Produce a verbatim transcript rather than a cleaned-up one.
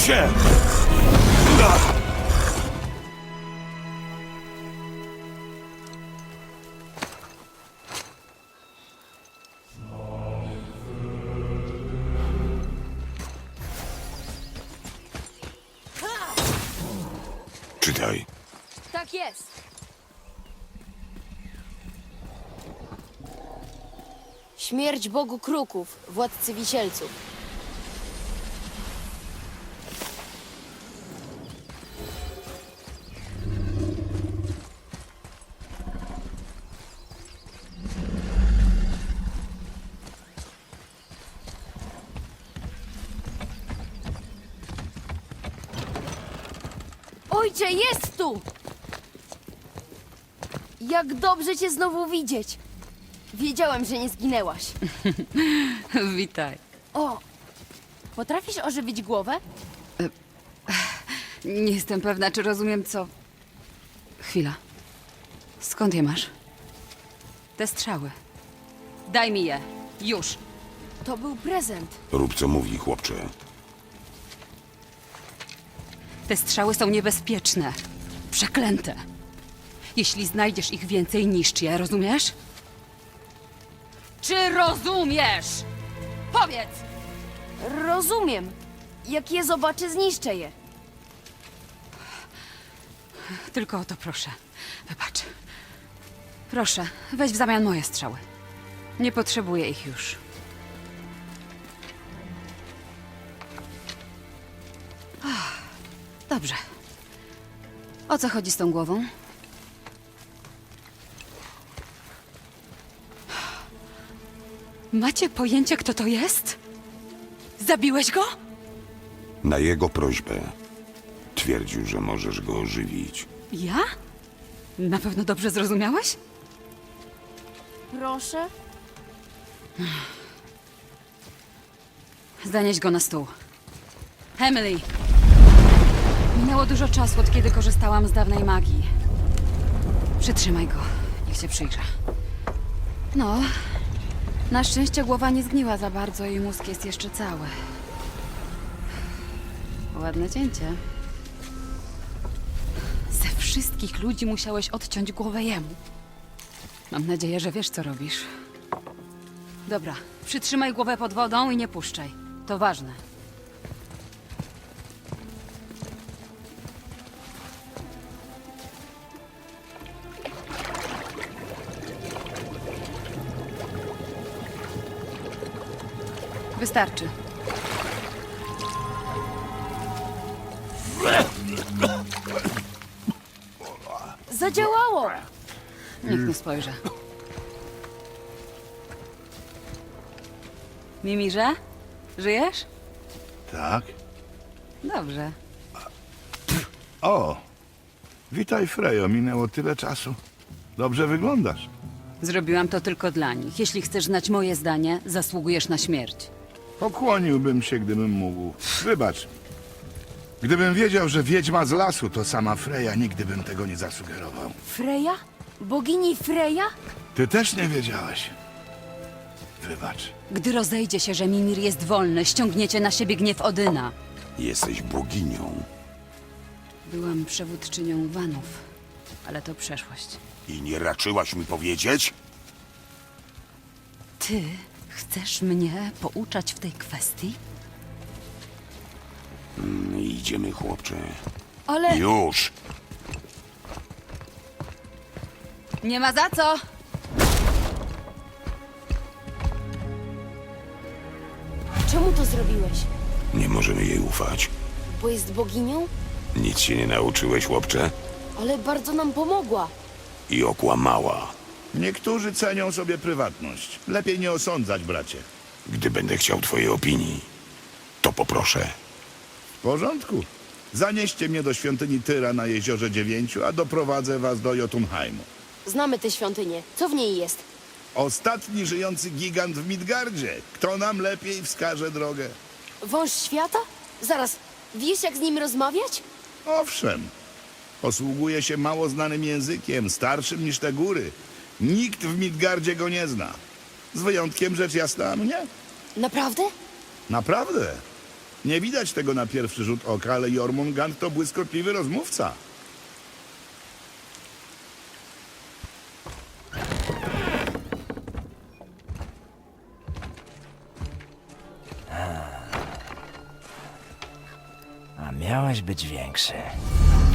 się! Czytaj. Tak jest. Śmierć Bogu Kruków, władcy Wisielców. Ojcze, jest tu! Jak dobrze cię znowu widzieć. Wiedziałem, że nie zginęłaś. Witaj. O! Potrafisz ożywić głowę? Nie jestem pewna, czy rozumiem, co... Chwila. Skąd je masz? Te strzały. Daj mi je. Już. To był prezent. Rób co mówi, chłopcze. Te strzały są niebezpieczne. Przeklęte. Jeśli znajdziesz ich więcej, niszcz je, rozumiesz? Czy rozumiesz? Powiedz! Rozumiem. Jak je zobaczę, zniszczę je. Tylko o to proszę. Wybacz. Proszę, weź w zamian moje strzały. Nie potrzebuję ich już. Ach, dobrze. O co chodzi z tą głową? Macie pojęcie, kto to jest? Zabiłeś go? Na jego prośbę twierdził, że możesz go ożywić. Ja? Na pewno dobrze zrozumiałeś? Proszę? Zanieś go na stół. Emily! Minęło dużo czasu, od kiedy korzystałam z dawnej magii. Przytrzymaj go. Niech się przyjrze. No, na szczęście głowa nie zgniła za bardzo i mózg jest jeszcze cały. Ładne cięcie. Ze wszystkich ludzi musiałeś odciąć głowę jemu. Mam nadzieję, że wiesz, co robisz. Dobra, przytrzymaj głowę pod wodą i nie puszczaj. To ważne. Wystarczy. Zadziałało! Niech nie spojrzy. Mimirze? Żyjesz? Tak? Dobrze. O! Witaj, Frejo. Minęło tyle czasu. Dobrze wyglądasz. Zrobiłam to tylko dla nich. Jeśli chcesz znać moje zdanie, zasługujesz na śmierć. Pokłoniłbym się, gdybym mógł. Wybacz. Gdybym wiedział, że wiedźma z lasu to sama Freja, nigdy bym tego nie zasugerował. Freja? Bogini Freja? Ty też nie wiedziałeś. Wybacz. Gdy rozejdzie się, że Mimir jest wolny, ściągniecie na siebie gniew Odyna. Jesteś boginią Byłam przewódczynią Wanów, ale to przeszłość. i nie raczyłaś mi powiedzieć? Ty chcesz mnie pouczać w tej kwestii? Mm, Idziemy, chłopcze. Ale... Już! Nie ma za co! Czemu to zrobiłeś? Nie możemy jej ufać. Bo jest boginią? Nic się nie nauczyłeś, chłopcze? Ale bardzo nam pomogła. I okłamała. Niektórzy cenią sobie prywatność. Lepiej nie osądzać, bracie. Gdy będę chciał twojej opinii, to poproszę. W porządku. Zanieście mnie do świątyni Tyra na Jeziorze Dziewięciu, a doprowadzę was do Jotunheimu. Znamy tę świątynię. Co w niej jest? Ostatni żyjący gigant w Midgardzie. Kto nam lepiej wskaże drogę? Wąż świata? Zaraz, wiesz jak z nim rozmawiać? Owszem. Posługuje się mało znanym językiem, starszym niż te góry. Nikt w Midgardzie go nie zna. Z wyjątkiem rzecz jasna mnie. Naprawdę? Naprawdę. Nie widać tego na pierwszy rzut oka, ale Jormungand to błyskotliwy rozmówca. A miałeś być większy.